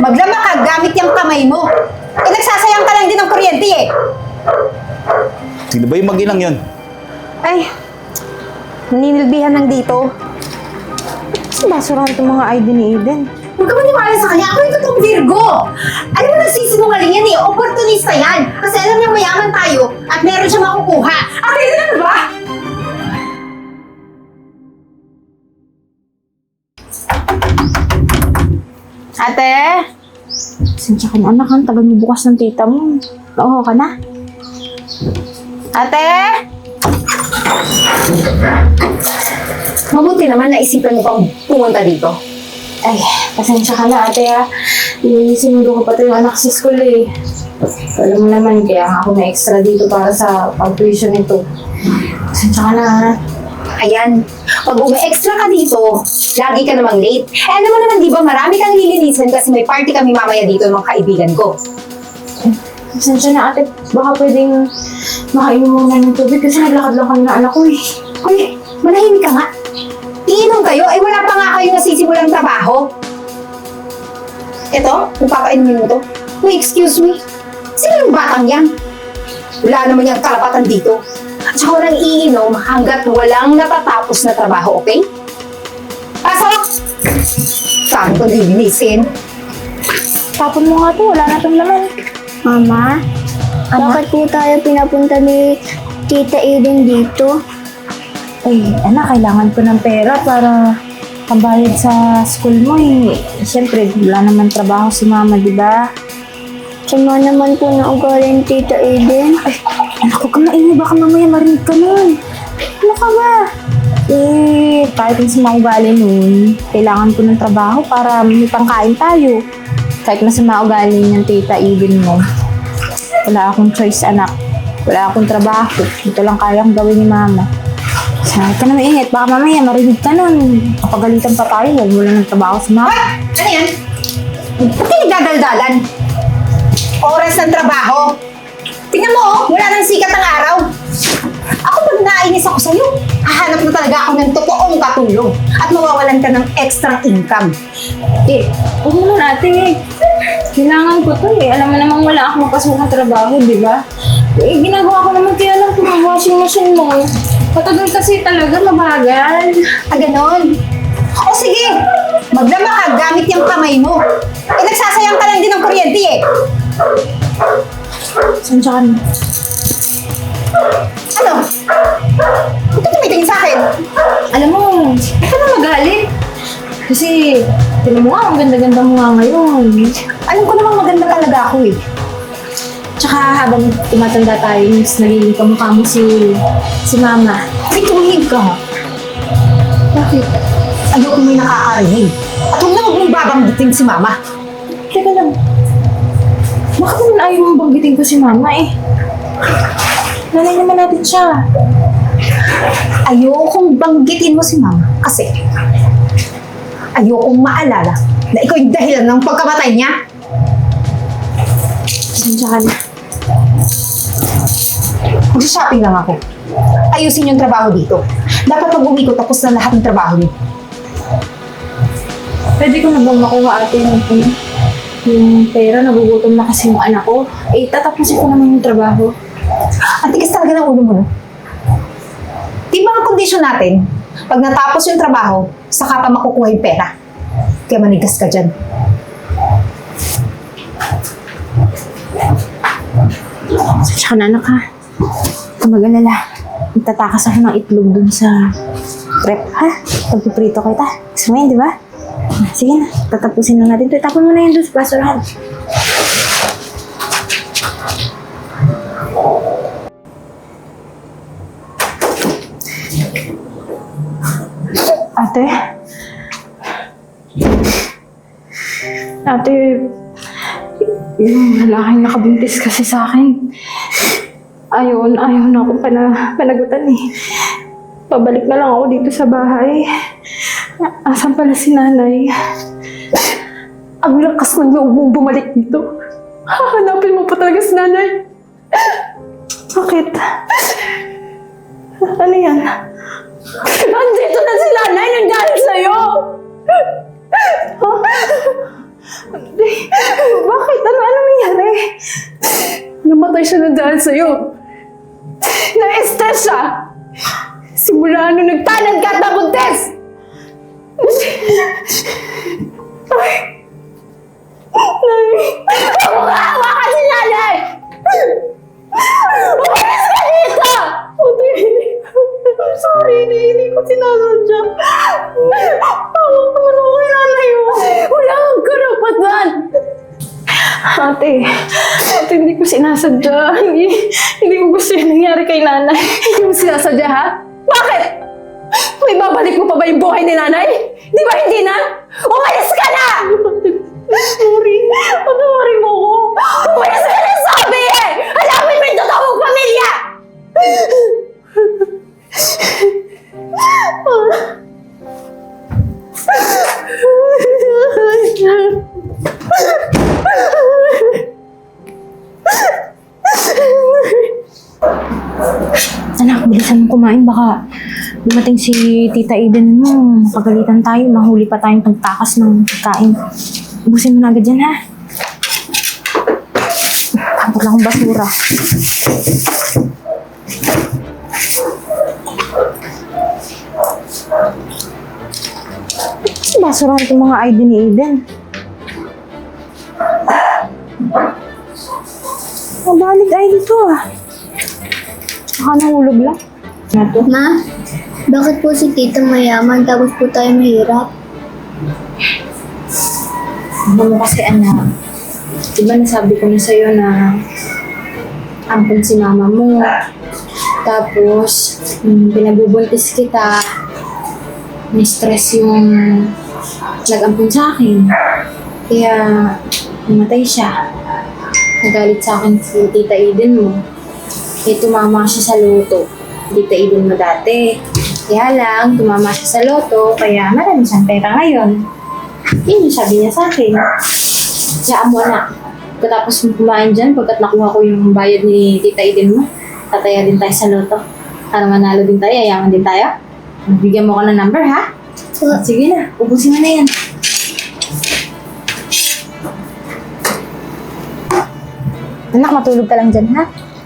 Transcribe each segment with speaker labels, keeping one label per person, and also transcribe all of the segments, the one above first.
Speaker 1: Maglaba ka gamit yung kamay mo. Eh, nagsasayang ka lang din ng kuryente eh.
Speaker 2: Sino ba yung mag-inang yun?
Speaker 3: Ay, naninilbihan lang dito. Saan basurahan itong mga ID ni Eden?
Speaker 1: Huwag ka maniwala sa kanya. Ako yung totoong Virgo. Alam mo, nagsisinungaling yan eh. Opportunista yan. Kasi alam niya mayaman tayo at meron siya makukuha. Ate, ano ba?
Speaker 3: Ate! Sinsya ka na anak, ang tagal mo bukas ng tita mo. Oo ka na? Ate!
Speaker 1: Mabuti naman naisipan mo pang pumunta dito.
Speaker 3: Ay, pasensya ka na ate ha. Sinundo ko pa yung anak sa school eh. Alam mo naman, kaya ako na extra dito para sa pag-tuition nito. Pasensya ka na ha.
Speaker 1: Ayan, pag umi-extra ka dito, lagi ka namang late. Eh, alam mo naman, di ba, marami kang lilinisan kasi may party kami mamaya dito ng mga kaibigan ko.
Speaker 3: Pasensya na ate, baka pwedeng makainom muna ng tubig kasi naglakad lang kami na anak ko eh.
Speaker 1: Uy, manahimik ka nga. Iinom kayo, ay wala pa nga kayo nasisimulang trabaho. Eto, magpapainumin mo to. Uy, excuse me. Sino yung batang yan? Wala naman yung karapatan dito. At saka walang iinom hanggat walang natatapos na trabaho, okay? Pasok! Saan ko lilinisin?
Speaker 3: Tapon mo nga to, wala na itong laman.
Speaker 4: Mama, bakit po tayo pinapunta ni Tita Eden dito?
Speaker 3: Ay, anak, kailangan ko ng pera para pambayad sa school mo eh. Siyempre, wala naman trabaho si mama, di ba?
Speaker 4: Sama naman po na ugali ni Tita Eden.
Speaker 3: Ay, anak, huwag ka maingay, baka mamaya marinig ka nun. Ano ka ba? Eh, kahit yung sa mga ugali nun, kailangan ko ng trabaho para may pangkain tayo. Kahit masama ugali ng Tita Eden mo, wala akong choice, anak. Wala akong trabaho. Ito lang kayang gawin ni mama. Sabi ka na mainit, baka mamaya marinig ka nun. Kapagalitan pa tayo, huwag mo lang ng trabaho sa mama.
Speaker 1: Hoy! Ano yan? Ba't kayo dadaldalan? Oras ng trabaho. Tingnan mo, oh, wala nang sikat ng araw. Ako pag nainis ako sa'yo, hahanap na talaga ako ng totoong katulong at mawawalan ka ng extra income.
Speaker 3: Eh, huwag mo na natin eh. Kailangan ko to eh. Alam mo namang wala akong makasok na trabaho, di ba? Eh, ginagawa ko naman kaya lang kung ang washing machine mo. Patagal kasi talaga, mabagal.
Speaker 1: Ah, ganon. O sige, maglaba ka gamit yung kamay mo. Eh, nagsasayang ka lang din ng kuryente eh.
Speaker 3: Sansya ka na.
Speaker 1: Ano? Ba't ka tumitingin sa akin?
Speaker 3: Alam mo, huwag ka na magalit. Kasi, tinan mo nga, ang ganda-ganda mo nga ngayon.
Speaker 1: Alam ko namang maganda talaga ako eh.
Speaker 3: Tsaka habang tumatanda tayo, mas nagiging kamukha mo si mama.
Speaker 1: May tumihig ka ha?
Speaker 3: Bakit?
Speaker 1: Ayoko may nakakarinig. At huwag na huwag mong babanggitin si mama.
Speaker 3: Teka lang. Bakit naman ayaw mong banggitin ko si mama eh? Nanay naman natin siya.
Speaker 1: Ayokong banggitin mo si mama kasi ayokong maalala na ikaw yung dahilan ng pagkamatay niya.
Speaker 3: Sansya ka na.
Speaker 1: Mag-shopping lang ako. Ayusin yung trabaho dito. Dapat pag uwi ko tapos na lahat ng trabaho niyo.
Speaker 3: Pwede ko na bang makuha ate yung pera? Nagugutom na kasi yung anak ko. Eh, tatapusin ko naman yung trabaho.
Speaker 1: Ang tigas talaga ng ulo mo, no? Di ba ang kondisyon natin, pag natapos yung trabaho, saka pa makukuha yung pera. Kaya manigas ka dyan.
Speaker 3: Sansya ka na anak ha. Huwag ka mag-alala. Magtatakas ako ng itlog dun sa prep ha. Pagpiprito kita. Gusto mo yun, di ba? Sige na, tatapusin na natin ito. Tapon mo na yun doon sa basurahan. Ate? Ate, yung lalaking nakabuntis kasi sa akin. Ayaw na akong panagutan eh. Pabalik na lang ako dito sa bahay. Asan pala si nanay? Ang lakas ng loob mong bumalik dito. Hahanapin mo pa talaga si nanay. Bakit? Ano yan? Nandito na si nanay! Nandiyan sa'yo!
Speaker 5: siya ng dahil sa'yo. Na-stress siya. Simula nung nagtanad ka at nabuntis. Ay. Ako maawa ka si nanay! Umalis ka dito! I'm sorry, hindi ko sinasadya. Tawa ko naman ako kay nanay mo. Wala kang karapatan. Ate, hindi ko sinasadya. Hindi ko gusto yung nangyari kay nanay. Hindi mo sinasadya, ha? Bakit? May babalik mo pa ba yung buhay ni nanay? Di ba hindi na? Umalis ka na! Sorry. Patawarin mo ko. Umalis ka na sabi eh! Alamin mo yung totoo mong pamilya!
Speaker 3: Anak, bilisan mo kumain. Baka dumating si Tita Eden mo. Mapagalitan tayo. Mahuli pa tayong pagtakas ng pagkain. Ubusin mo na agad yan, ha? Kapag lang akong basura. Basurahan itong mga ID ni Eden. Mabalik ID to, ah. Baka nahulog lang.
Speaker 4: Ma, bakit po si tita mayaman tapos po tayo mahirap?
Speaker 3: Ano mo kasi, anak? Diba nasabi ko na sa'yo na ampun si mama mo. Tapos, pinagbubuntis kita, ni-stress yung nag-ampun sa akin. Kaya, namatay siya. Nagalit sa akin si Tita Eden mo. Eh, tumama siya sa loto. Tita Eden mo dati. Kaya lang, tumama siya sa loto, kaya marami siyang pera ngayon. Yun yung sabi niya sa akin. Kaya mo, anak. Pagkatapos mo kumain dyan, pagkat nakuha ko yung bayad ni Tita Eden mo, tataya din tayo sa loto. Para manalo din tayo, yayaman din tayo. Bigyan mo ko ng number, ha? Sige na, ubusin mo na yan. Anak, matulog ka lang dyan, ha?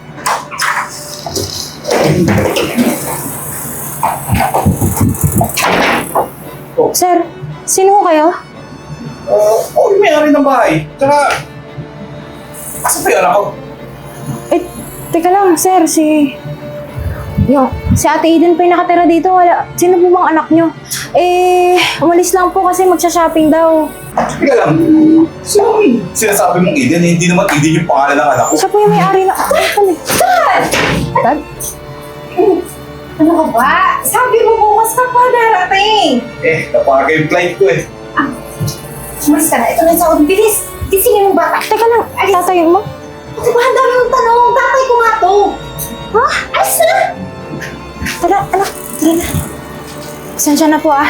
Speaker 3: Sir, sino ho kayo?
Speaker 2: Ako yung may-ari ng bahay. Tsaka, asa pa yung anak ko?
Speaker 3: Eh, teka lang, sir, si Ate Eden pa yung nakatira dito. Sino po bang anak nyo? Eh, umalis lang po kasi magsha-shopping daw.
Speaker 2: Teka lang. So, sinasabi mong Eden, hindi naman Eden yung pangalan ng anak ko.
Speaker 3: Siya po yung may-ari na... Dad?
Speaker 1: Ano ka ba? Sabi mo bukas ka pa darating.
Speaker 2: Napaga yung flight ko eh.
Speaker 1: Umalis ka na. Ito na yung sahod. Bilis! Gisingin mo bata.
Speaker 3: Teka lang, tatayin mo?
Speaker 1: Diba, ang dami mong tanong. Tatay ko nga to. Ha? Alis na!
Speaker 3: Tara, anak, tara na. Pasensya na po, ah.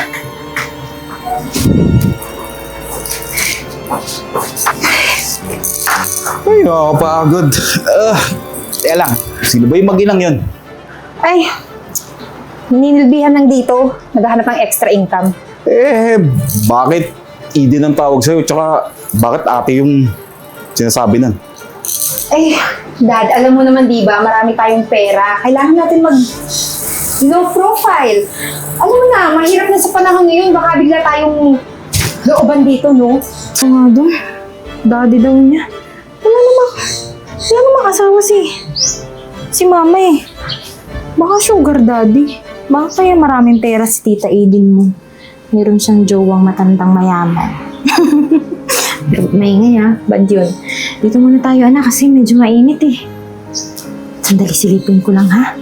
Speaker 2: Ay, nakakapagod. Teka lang, sino ba yung mag-inang yun?
Speaker 1: Ay, ninilbihan lang dito. Naghahanap ng extra income.
Speaker 2: Bakit Eden ang tawag sa'yo? Tsaka, bakit ate yung sinasabi nun?
Speaker 1: Eh, Dad, alam mo naman diba, marami tayong pera. Kailangan natin low profile. Alam mo na, mahirap na sa panahon ngayon. Baka bigla tayong looban dito, no?
Speaker 3: Oo nga doon. Daddy daw niya. Wala namang asawa si mama eh. Baka sugar daddy. Baka kaya maraming pera si Tita Eden mo. Meron siyang jowang matandang mayaman. Pero maingay ha, bad yun. Dito muna tayo anak kasi medyo mainit eh. Sandali silipin ko lang ha.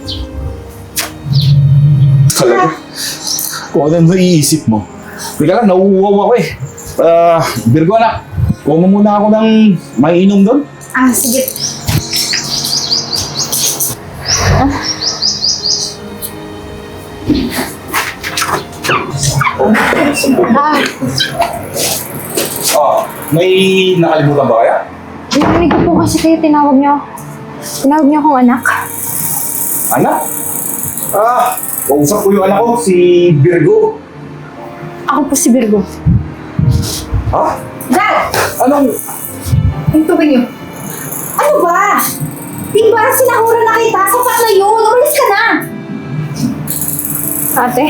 Speaker 2: Talaga? Kung ano naiisip mo. Teka lang, nauuwaw ako eh. Virgo anak, kuha mo muna ako ng maiinom doon.
Speaker 1: Ah, sige.
Speaker 2: May nakalimutan ba kaya?
Speaker 3: Narinig ko po kasi kayo tinawag niyo akong anak.
Speaker 2: Anak? Kausap ko yung anak ko, si Virgo.
Speaker 3: Ako po si Virgo.
Speaker 2: Ha?
Speaker 1: Dad!
Speaker 2: Anong?
Speaker 1: Yung tubig niyo. Ano ba? Di ba sinahura na kita? Sapat na yun. Umalis ka na.
Speaker 3: Ate,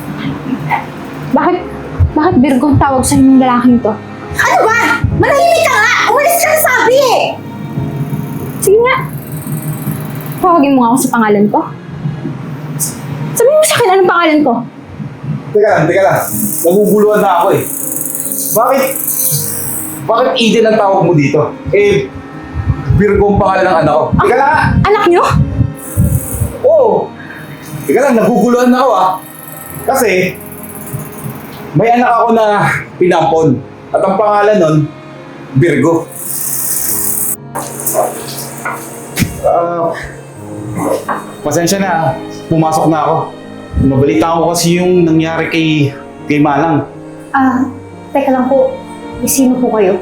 Speaker 3: bakit Virgo ang tawag sa inyong lalaking to?
Speaker 1: Ano ba? Manahimik ka nga! Umalis ka na sabi eh!
Speaker 3: Sige nga. Tawagin mo nga ako sa pangalan ko. Sabihin mo sa akin anong pangalan ko.
Speaker 2: Teka lang. Naguguluhan na ako eh. Bakit Eden ang tawag mo dito? Eh, Virgo ang pangalan ng anak ko. Teka lang.
Speaker 3: Anak niyo?
Speaker 2: Oo. Teka lang, naguguluhan na ako ah. Kasi, may anak ako na pinampon. At ang pangalan nun, Virgo. Pasensya na, pumasok na ako. Nabalita ko kasi yung nangyari kay Manang.
Speaker 3: Teka lang po. Sino po kayo?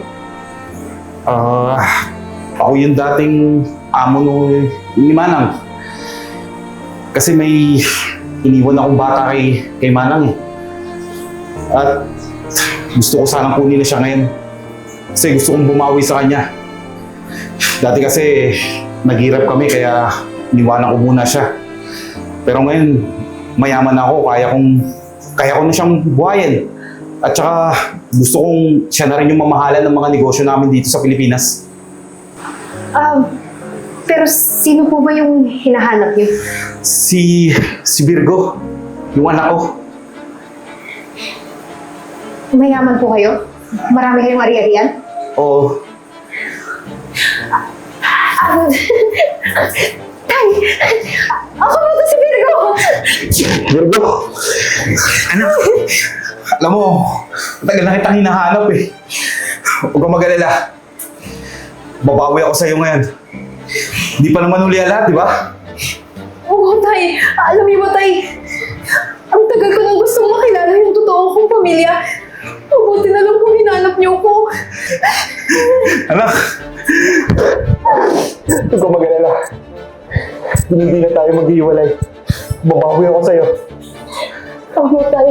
Speaker 2: Ako yung dating amo ni Manang. Kasi may iniwan akong bata kay Manang eh. At gusto ko sanang kunin na siya ngayon. Kasi gusto kong bumawi sa kanya. Dati kasi naghirap kami kaya iniwanan ko muna siya. Pero ngayon, mayaman ako, kaya ko na siyang buhayin. At saka gusto kong siya na rin yung mamahalan ng mga negosyo namin dito sa Pilipinas.
Speaker 3: Pero sino po ba yung hinahanap niyo?
Speaker 2: Si Virgo, yung anak ko.
Speaker 3: Mayaman po kayo? Marami kayong ari-arian?
Speaker 2: Oo.
Speaker 3: Tay! Ako ba ito si Virgo?
Speaker 2: Virgo! Anak! Alam mo, matagal na kitang hinahanap eh. Huwag kang mag-alala. Babawi ako sa'yo ngayon. Hindi pa naman uli lahat, di ba?
Speaker 5: Oo, Tay. Alam niyo ba, Tay? Ang tagal ko nang gustong makilala yung totoo kong pamilya. Mabuti na lang po hinanap niyo ko.
Speaker 2: Anak! Huwag kang mag-alala. Hindi na tayo maghiwalay. Babawi ako sa'yo.
Speaker 5: Oo, Tay.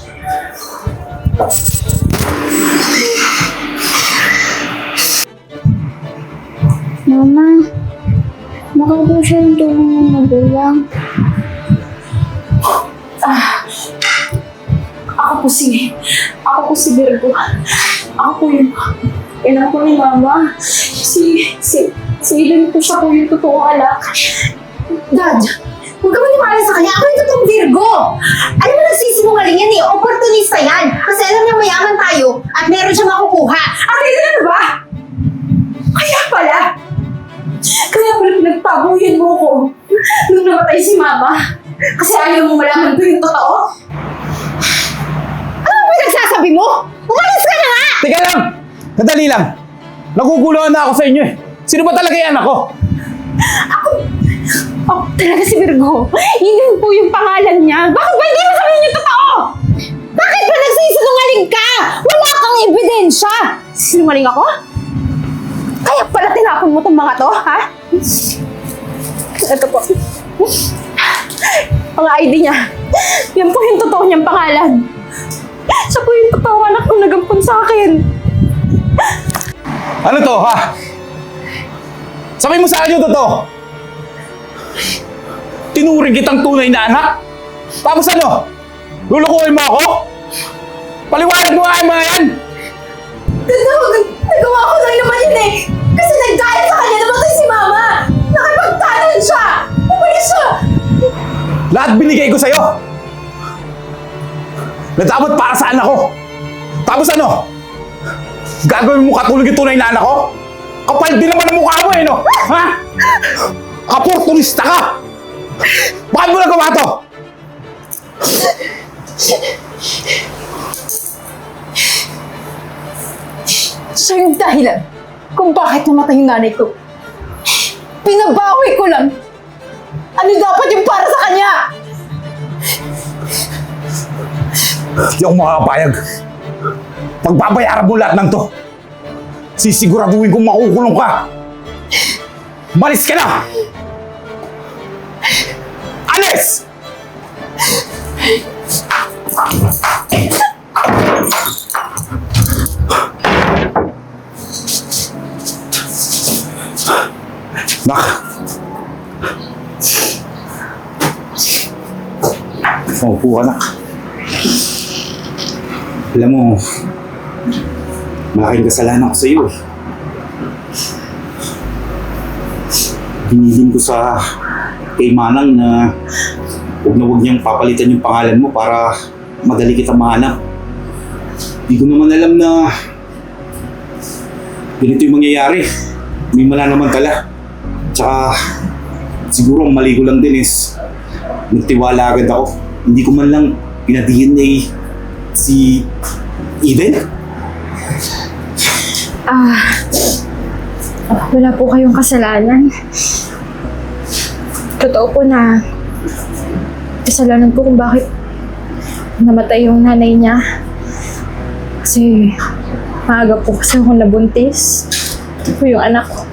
Speaker 4: Mama, baka po siya yung tulong ng magulang.
Speaker 5: Ako po si Virgo. Ako po yung ina po ni Mama. Si Eden po siya po yung totoong anak.
Speaker 1: Dad, huwag ka maniwala sa kanya. Ako yung totoong Virgo. Alam mo, nagsisinungaling yan eh. Opportunista yan. Kasi alam niya mayaman tayo at meron siya makukuha. At ayun ano ba? Kaya pala
Speaker 5: pinagtabuyan mo ko nung namatay si Mama. Kasi ayaw mo malaman ko yung totoo.
Speaker 1: ano ba pinagsasabi mo? Umalis ka na nga!
Speaker 2: Teka lang! Sandali lang! Naguguluhan na ako sa inyo eh. Sino ba talaga yung anak ko?
Speaker 3: Oh, talaga si Virgo. Yun po yung pangalan niya. Bakit ba hindi mo sabihin yung totoo?
Speaker 1: Bakit ba nagsisinungaling ka? Wala kang ebidensya!
Speaker 3: Sinungaling ako? Kaya pala tinapon mo tong mga to, ha? Ito po. Ang ID niya. Yan po yung totoo niyang pangalan. Siya po yung totoong anak kong nagampun sa akin.
Speaker 2: Ano to, ha? Sabihin mo sa akin yung totoo! Tinuring kitang tunay na anak? Tapos ano? Lulukuhin mo ako? Paliwanag mo nga yung mga yan!
Speaker 5: Nagawa ko lang naman yun eh. Kasi nagdahil sa kanya namatay si Mama. Nakipagtanan siya. Umalis siya.
Speaker 2: Lahat binigay ko sa'yo! Na dapat para sa anak ko! Tapos ano? Gagawin mo katulog yung tunay na anak ko? Kapal din naman ang mukha mo eh, no? Ha? Kaportunista ka! Bakit mo nagawa to?
Speaker 5: Siya yung dahilan kung bakit namatay yung nanay ko. Pinabawi ko lang. Ano dapat yung para sa kanya?
Speaker 2: Hindi ako makakapayag. Pagbabayaran mo lahat ng to. Sisiguraduhin kong makukulong ka. Malis ka na! Alis! Nak, Opo, anak. Alam mo, malaking kasalanan ko sa iyo. Hinilin ko sa kay Manang na huwag niyang papalitan yung pangalan mo para madali kita mahanap. Hindi ko naman alam na ganito yung mangyayari. May mananamantala. Tsaka siguro ang mali ko lang din is nagtiwala agad ako. Hindi ko man lang pina-DNA si Eden.
Speaker 3: Wala po kayong kasalanan. Totoo po na kasalanan ko kung bakit namatay yung nanay niya. Kasi maaga po kasi ako nabuntis. Ito po yung anak ko.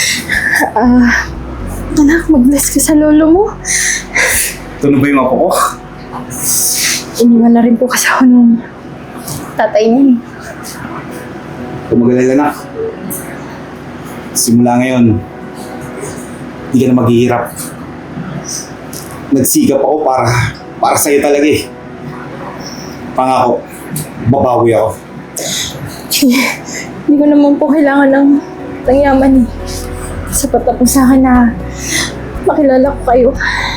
Speaker 3: Anak, mag-bless ka sa lolo mo.
Speaker 2: Ito na ba yung apo ko?
Speaker 3: Iniwan na rin po kasi ako nung tatay niya.
Speaker 2: Kumagalala na. Simula ngayon, hindi ka na maghihirap. Nagsigap ako para sa'yo talaga eh. Pangako, babawi ako.
Speaker 3: Hindi ko naman po kailangan ng yaman eh. Sapat na po sa akin na makilala ko kayo.